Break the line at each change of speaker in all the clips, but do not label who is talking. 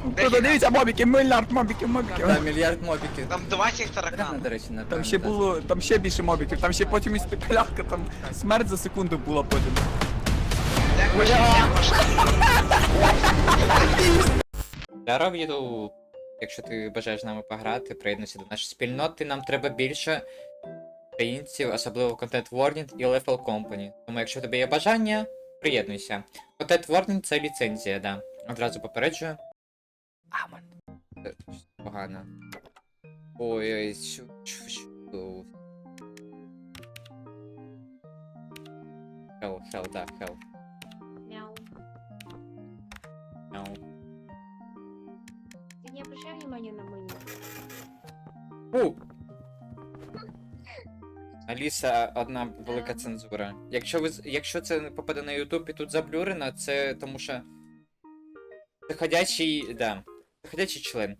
Тут дивіться, мобіки, мільярд мобіків, мобіків.
Да, мільярд мобіків.
Там 20
Реально,
таракан.
до речі,
Там ще було, там ще більше мобіків, там ще потім і спекулятка, там смерть за секунду була потім.
Як пошли, як пошли.
Я роблю, якщо ти бажаєш з нами пограти, приєднуйся до нашої спільноти, нам треба більше українців, особливо Content Warning і Level Company. Тому якщо в тебе є бажання, приєднуйся. Content Warning це ліцензія, да. Одразу попереджую. Амон. Це погано. Ой-ой, що. Hell, да, hell.
Мяу.
Мяу.
Ты не обращай внимания на мой ник.
Фу! Аліса, одна велика цензура. Якщо це не попаде на YouTube і тут заблюрено, це тому що... Це ходячий... да. Це ходячий член.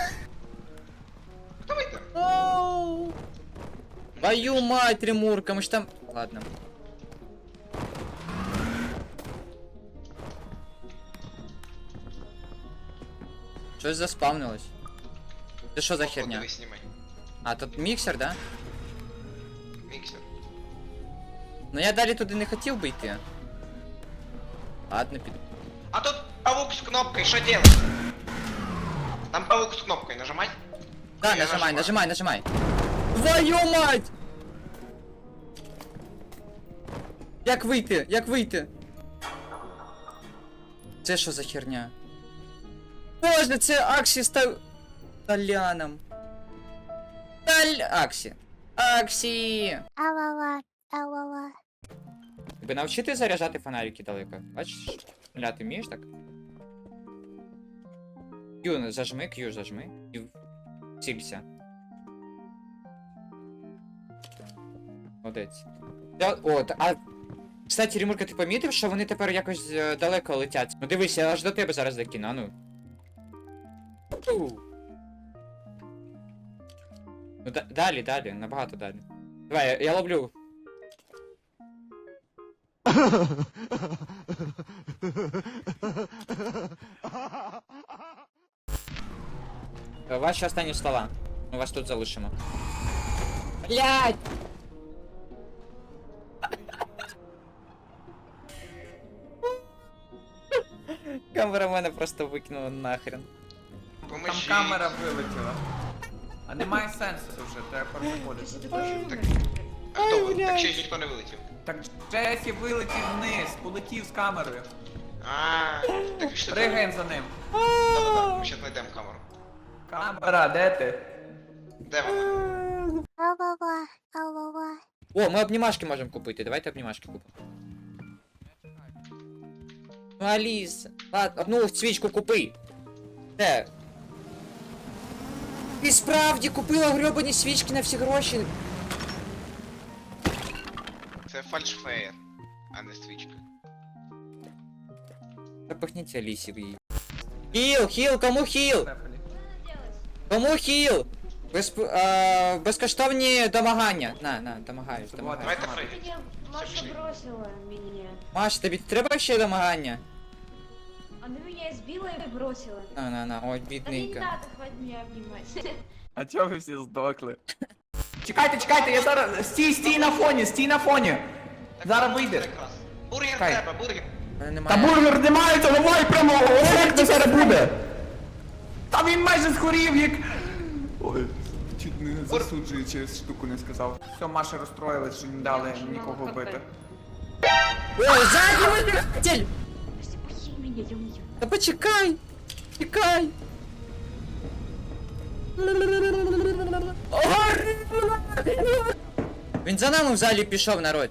Хто вийде?
Твою мать, Ремурка, ми ж там... Ладно. Щось заспавнилось. Це що за херня?
Диви, знімай.
А, тут міксер, да?
Міксер.
Ну я далі туди не хотів би йти. Ладно, піду.
А тут паук с кнопкой, что делать? Там паук с кнопкой, нажимать?
Да,
Я
нажимай. Твою мать! Як вийти? Це що за херня? Боже, це Аксі став... Таляном. Аксі!
Алала.
Тебе навчити заряджати фонарики далеко? Бачиш? Ля, ти вмієш так? Q зажми. І цілься. Молодець. Кстати, Ремурка, ти помітив, що вони тепер якось далеко летять? Ну дивись, я аж до тебе зараз докину, а ну. Ну далі, набагато далі. Давай, я ловлю. Ваші останні слова. Ми вас тут залишимо. Блядь! Камера мене просто викинула нахрен.
Там
Поможіть.
камера вилетіла. А немає сенсу вже, треба переходити.
Ты больше
Так.
умер.
А хто ви? Так ще ж ніхто не вилетів.
Так Джесі вилетів вниз, полетів з камерою.
А, так пішли.
Пригаємо за ним.
Да-да-да, ми ще знайдемо камеру.
Камера, де ти?
Де вона?
О, ми обнімашки можемо купити, давайте обнімашки купимо. Ну, Аліса, ладно, одну свічку купи. Де? Ти справді купила гребані свічки на всі гроші.
Це фальшфеєр, а не свічка.
Запахніть Алісі в її. Хіл, кому хіл?
Что делать?
Кому хіл? Безкоштовні домагання. На, домагаюсь.
Давайте
Ты
прийдемо.
меня... Маша
пошли.
бросила меня.
Маш, тобі треба ще домагання?
Она меня избила и бросила.
На, ой,
Да не
бідненька.
надо, хватит меня обнимать.
А чого ви всі здохли? Чекайте, я зараз... Стій на фоні! Зараз вийде.
Якраз. Бургер
Чекай.
треба, бургер.
Мене
Та
немає.
бургер не мається, давай прямо, як це зараз буде? Та він майже згорів, як... Ой, чуть не засуджую, через штуку не сказав. Все, Маша розстроїлась, що не дали нікого вбити.
Ой, задній водитель!
Прости, похиль меня, я умею.
Та почекай! Чекай! Він за нами в залі пішов, народ.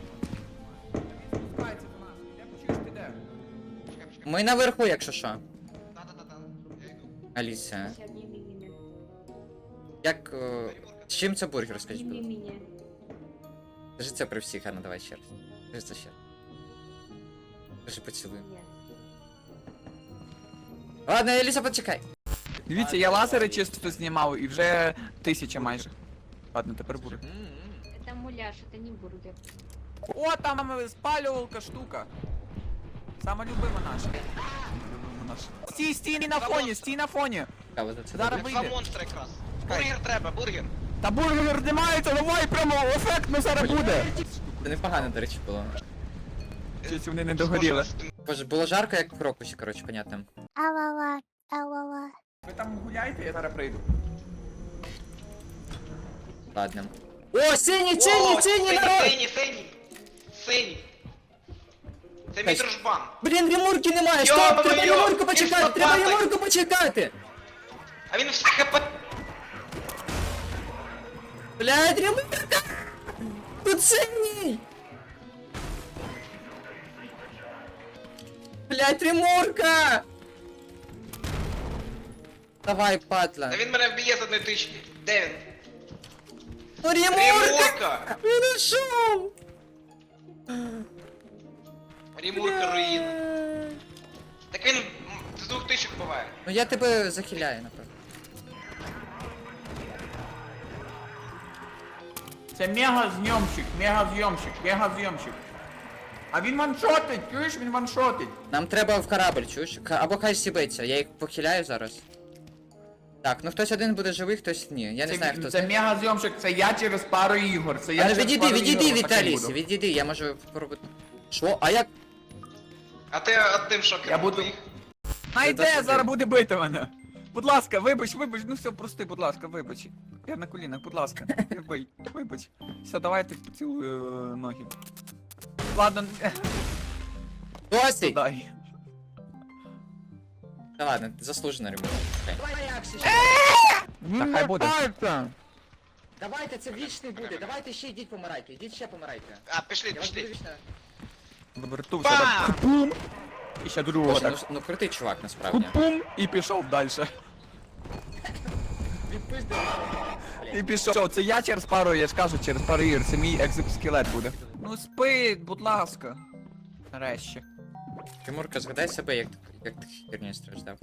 Ми наверху, якщо що.
Да-да-да. Я йду.
Аліса,
Все, обними меня.
як... з чим це бургер, скажіть, будь
Обними
ласка?
меня.
Скажи це при всіх, а ну давай ще раз. Скажи це ще раз. Скажи поцілуй.
Нет.
Ладно, Аліса, почекай.
Дивіться, я лазери чисто знімав і вже 1000 майже. Ладно, тепер бургер.
Это муляж, это не бургер.
О, там спалювалка штука. Сама любима наша. Любима наша. стій на фоні, стій на фоні.
Цікаво за це.
Зараз
добре.
Два
вийде.
монстри якраз. Бургер треба, бургер.
Та бургер знімається, давай прямо ефектно зараз буде.
Це непогано, до речі, було.
Щось вони не догоріли.
Боже, було жарко, як в Крокусі, коротше, понятно.
Алала, алала.
Ви там гуляйте, я зараз прийду.
Ладно. О, синій, народ!
Синій. Це мій
Кась.
дружбан.
Блін, ремурки немає,
Йо,
стоп, треба
йо,
ремурку почекати,
він
треба
лопатою.
ремурку почекати!
А він все хп.
Блядь, ремурка! Тут синій! Блядь, ремурка! Давай, падла.
Та він мене вб'є з одної тички. Де він?
Ну, ремурка!
Ремурка!
Він ушов!
Ремурка руїн. Так він з двох тичок буває.
Ну я тебе захиляю, напевно.
Це мега-зйомщик. А він ваншотить, чуєш, він ваншотить.
Нам треба в корабль, чуєш? Або хай сібиться, я їх похиляю зараз. Так, ну хтось один буде живий, хтось ні. Я не знаю, хто
Це мега-зйомщик, це я через пару ігор. Це я
Але
через
відійди,
пару
відійди
ігор
від
отакий
Аліси,
буду.
відійди, я можу поробити. Що? А як?
А ти одним шокером
Я буду-
твоїх.
Найде,
Це
зараз буде бити мене. Будь ласка, вибач, ну все, прости, будь ласка, вибач. Я на колінах, будь ласка, вибач. Все, давайте поцілую ноги. Ладно,
Досить!
дай.
Та ладно, заслужено ремонт.
Та хай буде.
Давайте, це вічний буде, давайте ще йдіть помирайте, йдіть ще помирайте.
А, пішли.
Вертувся
Бам!
так. Пум! І ще другого
Боже,
так.
ну крутий чувак, насправді.
Пум! І пішов далі. І пішов. Це я через пару, я ж кажу, через пару ігор. Це мій екзоскелет буде. Ну спи, будь ласка. Нарешті.
Тимурка, згадай себе, як ти херню страждав.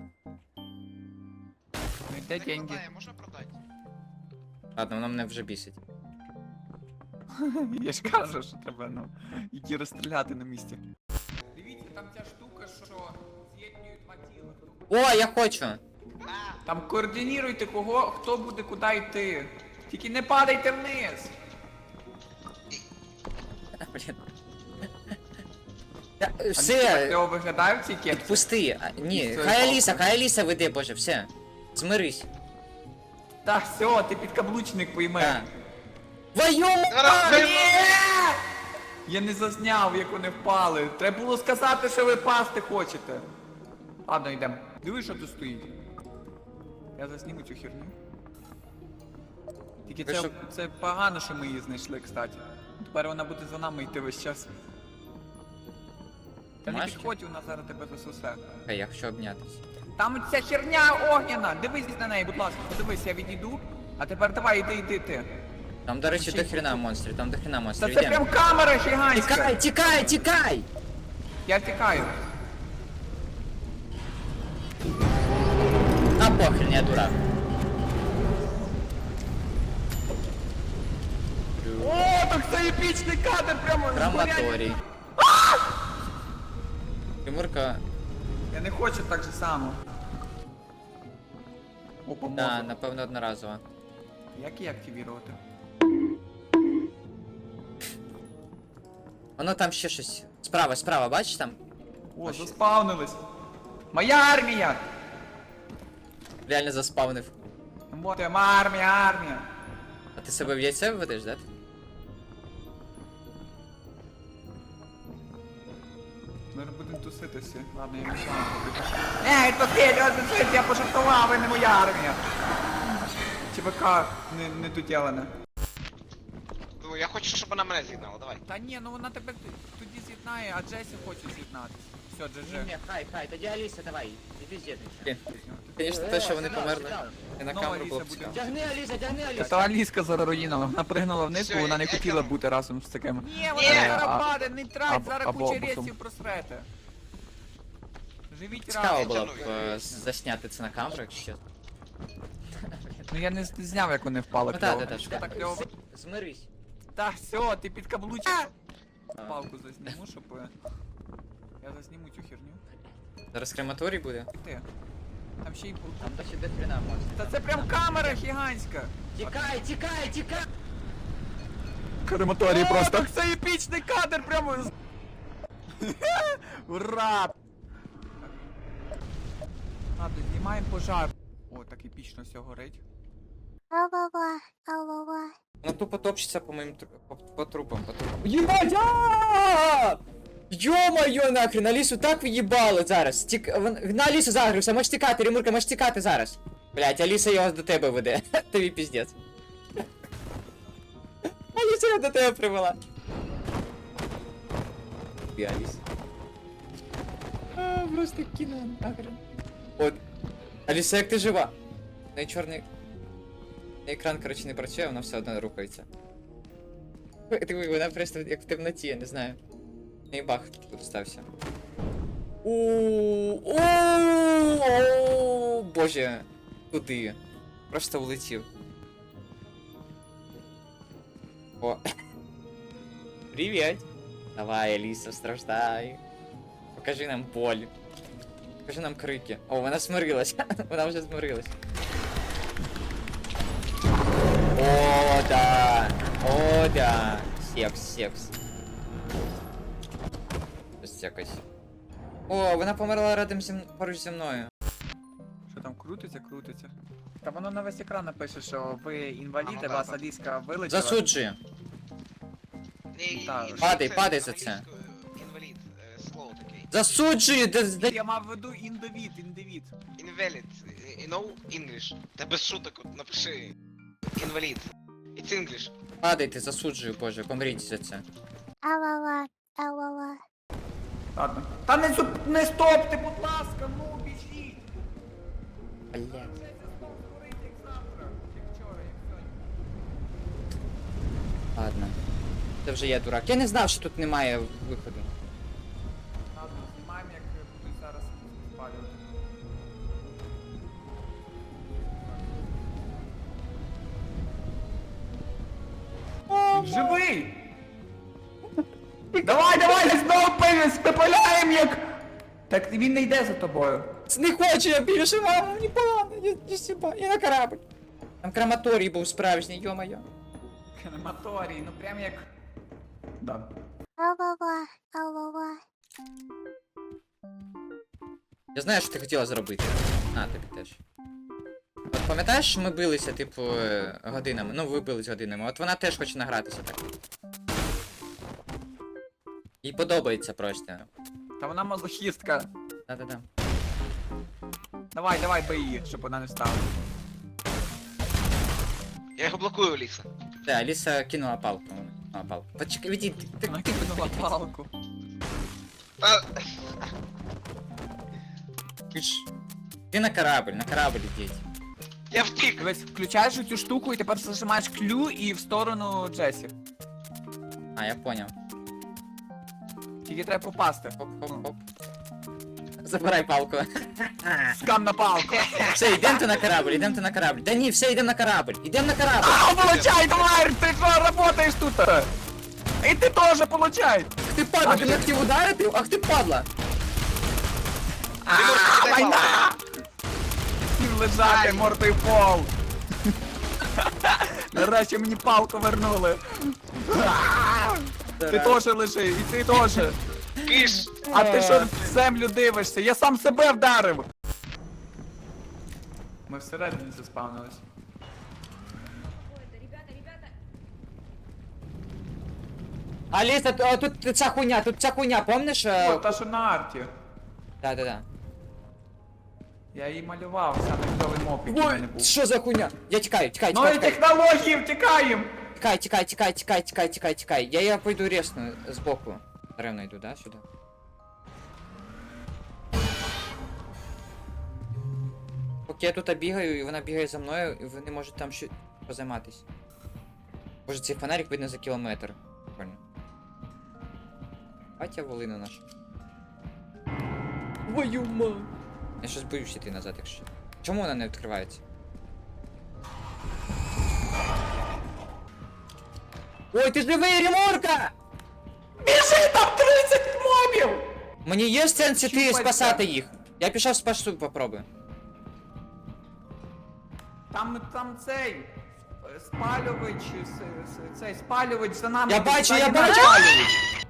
Ну йде деньги.
Можна продати?
Ладно, воно мене вже бісить.
Я ж кажу, що треба, ну, які розстріляти на місці. Дивіться, там ця штука, що з'єднує два тіла.
О, я хочу!
Там координуйте кого, хто буде куди йти. Тільки не падайте вниз.
Блін.
Так
Все,
його виглядає в цій кепці?
пусти. Ні,
Все,
хай Аліса веде, боже, все. Змирись.
Та все, ти підкаблучник пойми.
Так. Твою
Зараз
мать!
Я не зазняв, як вони впали. Треба було сказати, що ви пасти хочете. Ладно, йдемо. Диви, що тут стоїть. Я засніму цю херню. Тільки
Ви
це,
що?
це погано, що ми її знайшли, кстати. Тепер вона буде за нами йти весь час. Та не
Машки?
підходь, вона зараз тебе засусе.
Хай, я хочу обнятись.
Там ця херня огняна! Дивись на неї, будь ласка, подивись, я відійду. А тепер давай, іди.
Там, до речі,
Ще
до хрена монстрів, там до хрена
Та
монстрів.
це
Йдемо.
прям камера гігантська!
Тікай!
Я втікаю.
А похрен, я дурак.
О, так це епічний кадр прямо.
Краматорій. Тимурка,
Я не хочу так же само. О,
да,
поможе.
напевно, одноразово.
Як її активірувати?
Воно там ще щось. Справа, бачиш там?
О, заспавнились. Моя армія!
Реально заспавнив.
Вот армія!
А ти себе в яйце введеш, да?
Ми будемо тусити всі. Ладно, я не знаю. Ей, то ти, я пожартував, ви не моя армія. ЧВК не доділене.
Ну, я хочу, щоб вона мене з'єднала, давай.
Та ні, ну вона тебе тоді з'єднає, а Джесі хоче з'єднатися. Все, GG.
хай, тоді Аліса, давай, іди з'єднуйся. Звісно, те, що вони померли. І на
Нова
камеру
Аліса
було б
буде.
цікаво.
Тягни, Аліса, тягни,
Та Аліска зараз руїнала, вона пригнула вниз,
Все,
бо вона не
я
хотіла
тягну.
бути разом з такими. Ні,
вона зараз
паде, не трать, зараз або куча боком. рейсів просрете. Живіть
Цікаво
разом.
було б засняти це на камеру, якщо чесно.
Ну я не зняв, як вони впали
Ну
кльово.
так,
Що так кльово?
Змирись.
Та все, ти підкаблучиш. Палку засніму, щоб... Я засніму цю херню.
Зараз крематорій буде.
Ти. Там ще й...
Там досі до хрена можна.
Та це прям камера гігантська.
Тікай, тікай, тікай!
Крематорій просто. Так це епічний кадр прямо. Ура! Ладно, знімаємо пожар. О, так епічно все горить.
Ла-ла-ла, ла-ла-ла.
Ну тупо топчеться по моїм по трупам, по трупам. Єбать! А! Йо-моє нахрен, Алісу так в'їбали зараз. На Алісу загрився, можеш тікати, Ремурка, можеш тікати зараз. Блять, Аліса його до тебе веде. Тобі піздець. Аліса його до тебе привела. І Аліса. Просто кіно нахрен. От. Аліса, як ти жива? Ну і чорний... Екран, коротше, не працює, вона все одно рухається. Диви, вона просто як в темноті, я не знаю. І бах тут стався. Боже, куди? Просто улетів. О. Привіт! Давай, Аліса, страждай. Покажи нам боль. Покажи нам крики. О, вона смирилась. Вона вже смирилась. О, да! О, да! Секс, секс. Ось якось. О, вона померла рядом поруч зі мною.
Що там крутиться, крутиться. Та воно на весь екран напише, що ви інваліди, вас Аліска вилетіла.
Засуджує.
Так.
Падай за це.
Інвалід, слово таке.
Засуджує!
Я мав в виду індивід, індивід.
Invalid, you know English? Та без шуток, от напиши. Інвалід. It's English.
Падайте, засуджую, боже, помріть за це.
Ла-ла-ла, ла-ла-ла.
Ладно. Та не стопте, будь ласка, ну біжіть.
Блядь.
Це знов горить, як завтра, як вчора, як сьогодні.
Ладно. Це вже я дурак. Я не знав, що тут немає виходу.
Ладно, знімаємо, як будуть зараз спалювати. Він живий! Давай, давай, знову спепеляємо як! Так він не йде за тобою.
Не хочу я більше, мамо, мені погано, я сіба, я на корабль. Там крематорій був справжній, йо-моє.
Крематорій, ну прям як... Да.
Ла-ла-ла, ла-ла-ла.
Я знаю, що ти хотіла зробити. А, тобі теж. От пам'ятаєш, ми билися, типу, годинами. Ну, ви бились годинами. От вона теж хоче награтися так. Їй подобається просто.
Та вона мазохістка.
Да-да-да.
Давай, давай, бий її, щоб вона не встала.
Я його блокую, Ліса.
Да, Аліса кинула палку. А, палку. Почекай, відійди.
Вона кинула палку.
Та...
Ти на корабль ідіть.
Я втік!
Дивись, включаєш цю штуку і тепер зажимаєш клю і в сторону Джесі.
А, я поняв.
Тільки треба попасти.
Хоп-хоп-хоп. Забирай палку.
Скам на палку.
Все, йдемте на корабль. Да ні, все, йдемо на корабль. Ідемо на корабль.
А, получай, тварь! Ти що работаєш тут? І ти теж получай!
Ах ти падла, ти не хотів ударити? Ах ти падла.
Війна! Хотів лежати мордою в пол. Нарешті мені палку вернули. Ти теж лежи, і ти теж.
Киш!
А ти що в землю дивишся? Я сам себе вдарив! Ми всередині заспавнились.
Ой, да, ребята, ребята.
Аліса, тут ця хуйня, помниш?
О, та що на арті.
Да.
Я її малював, саме кльовий моп, який в мене був.
Що за хуйня? Я тікаю.
Нові технології, втікаємо!
Тікай. Я пойду ресну збоку. Ревно йду, да, сюди? Поки я тут бігаю, і вона бігає за мною, і вони можуть там ще позайматись. Боже, цей фонарик видно за кілометр. Прикольно. Батя волина наша. Твою мать! Я щось боюсь йти назад, якщо. Чому вона не відкривається? Ой, ти живий, Ремурка!
Біжи, там 30 мобів!
Мені є сенс іти
Щупальця.
спасати їх. Я пішов спасу, попробую.
Там цей спалювач, цей спалювач за нами.
Я
йде,
бачу,
ззаді
я
нас
бачу!
спалювач.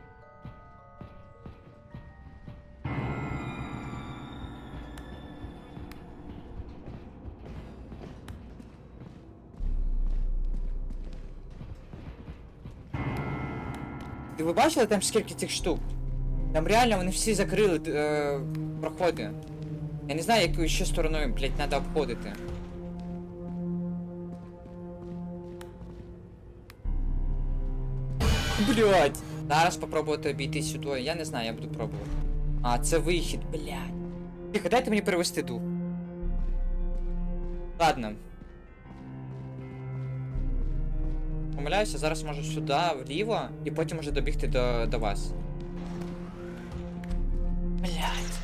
Ви бачили там скільки цих штук? Там реально вони всі закрили проходи. Я не знаю, якою ще стороною, блять, треба обходити. Блять! Зараз попробувати обійти сюди. Я не знаю, я буду пробувати. А, це вихід, блять. Тихо, дайте мені перевести дух. Ладно. Помиляюся, зараз можу сюди, вліво, і потім уже добігти до вас. Блять.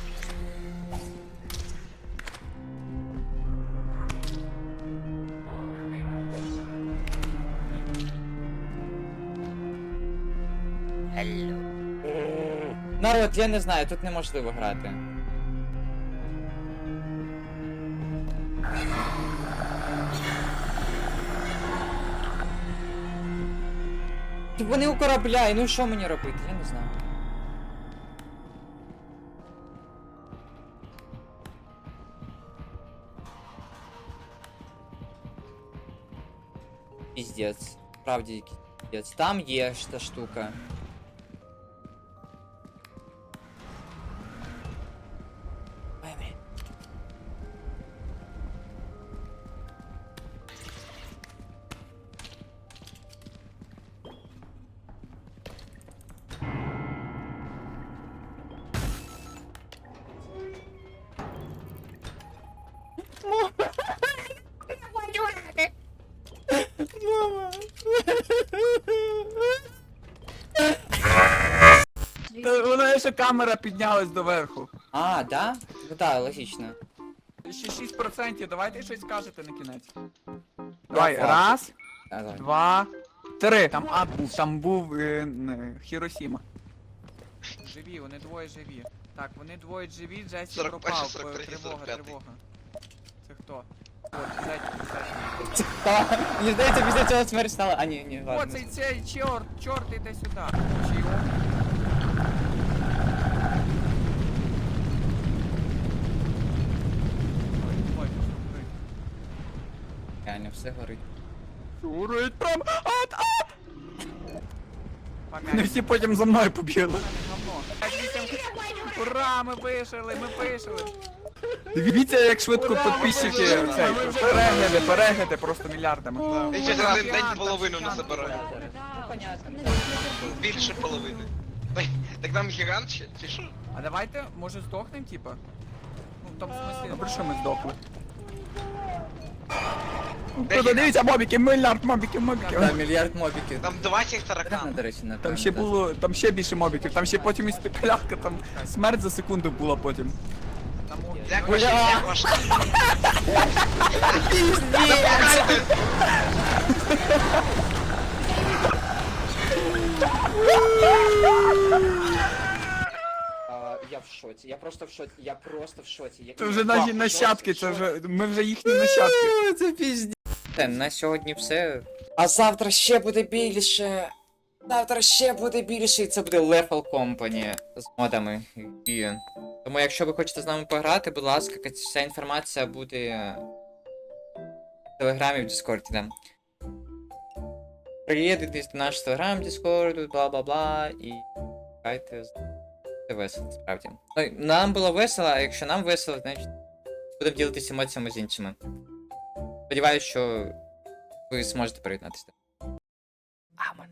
Народ, я не знаю, тут неможливо грати. Вони у корабля, і ну що мені робити? Я не знаю. Піздець. Справді якийсь піздець. Там є ж та штука. Ой, блін.
Та вона ще камера піднялась доверху.
А, да? Ну да, логічно.
Ще 6%, давайте щось скажете на кінець. Давай,
факт.
раз,
Давай.
2, 3. Там ад був, там був Хіросіма. Живі, вони двоє живі. Так, вони двоє живі, Джесі
41,
пропав.
43,
Тривога,
45.
тривога. Це хто? От, ззаді.
Та, мені здається, після цього смерть стала. А, ні,
О,
ладно.
цей чорт іде сюди. Чи його? Ой, ой,
Реально, все горить.
Шурить прям. Вони всі потім за мною побігли. Ура, ми вижили, ми вижили. Дивіться, як швидко підписчики цей, перегляди просто мільярдами.
Я через один день половину не забираю.
Да.
Більше половини. Так нам гігант ще? Чи що?
А давайте, може, здохнем, типа? Ну, в тому смислі, добре, що ми здохли. Дивіться, мобіки, мільярд мобіків.
Да, мільярд мобіків.
Там 20
Реально,
таракан.
до речі, напевно.
Там ще було, там ще більше мобіків, там ще потім і спекулятка, там смерть за секунду була потім.
Як ваші, як ваші?
Я в шоці, я просто в шоці. Як
Це вже наші нащадки, це вже, ми вже їхні нащадки.
Це пізді. На сьогодні все. А завтра ще буде більше. Завтра ще буде більше, і це буде Lethal Company з модами. І... Тому якщо ви хочете з нами пограти, будь ласка, вся інформація буде в Телеграмі, в Дискорді, да. Приєднуйтесь до нашого Телеграм, Дискорду, бла-бла-бла, і грайте. Це весело, справді. Ну, нам було весело, а якщо нам весело, значить будемо ділитися емоціями з іншими. Сподіваюсь, що ви зможете приєднатися. Амон.